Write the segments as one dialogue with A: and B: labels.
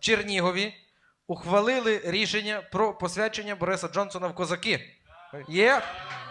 A: Чернігові ухвалили рішення про посвячення Бориса Джонсона в козаки. Є.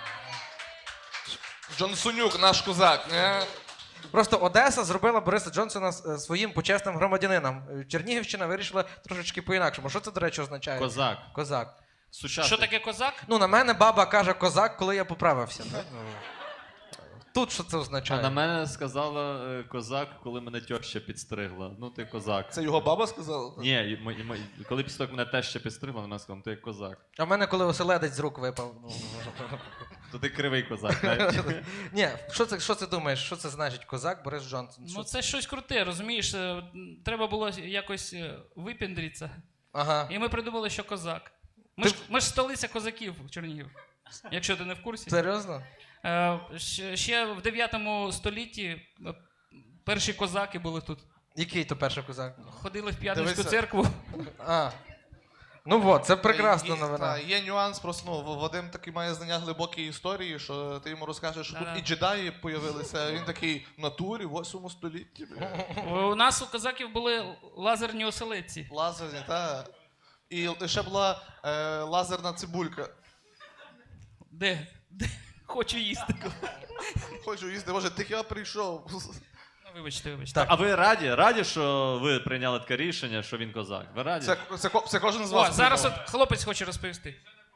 B: Джонсонюк, наш козак.
A: Просто Одеса зробила Бориса Джонсона своїм почесним громадянином. Чернігівщина вирішила трошечки по-інакшому. Що це, до речі, означає?
C: Козак.
A: Козак.
C: Сучасний.
D: Що таке козак?
A: Ну, на мене баба каже козак, коли я поправився. Так? Тут що це означає?
C: А на мене сказала козак, коли мене тьоща підстригла. Ну, ти козак.
B: Це його баба сказала?
C: Ні, коли після того, як мене теща підстригла, вона сказала, ти як козак.
A: А в мене коли оселедець з рук випав.
C: То ти кривий козак, так?
A: Ні, що це думаєш? Що це значить козак Борис Джонсон?
D: Ну це щось круте, розумієш? Треба було якось випіндритися.
A: Ага.
D: І ми придумали, що козак. Ми ж столиця козаків, Чернігів. Якщо ти не в курсі.
A: Серйозно?
D: Ще в 9 столітті перші козаки були тут.
A: Який то перший козак?
D: Ходили в П'ятницьку
B: Дивися.
D: церкву.
A: А. Ну от, це прекрасна новина.
B: Є нюанс, просто Вадим такий має знання глибокої історії, що ти йому розкажеш, що
D: Да-да.
B: тут і джедаї появилися. Він такий в натурі, в 8 столітті.
D: У нас у козаків були лазерні оселедці.
B: Лазерні, та. І ще була лазерна цибулька.
D: Де? Хочу їсти.
B: Хочу їсти, може, ти я прийшов.
D: Ну, вибачте.
C: А ви раді, що ви прийняли таке рішення, що він козак? Ви раді?
B: Це кожен з
D: О,
B: вас.
D: зараз
B: придумав.
D: от хлопець хоче розповісти.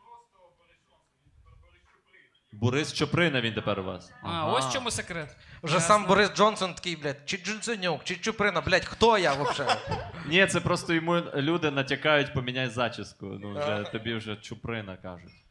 C: Борис Чоприна він тепер у вас.
D: Ось в чому секрет.
A: Вже
D: Ясно.
A: сам Борис Джонсон такий, блядь, чи Джонсонюк, чи Чуприна, блядь, хто я взагалі?
C: Ні, це просто йому люди натякають, поміняй зачіску. Ну, вже, тобі вже Чуприна кажуть.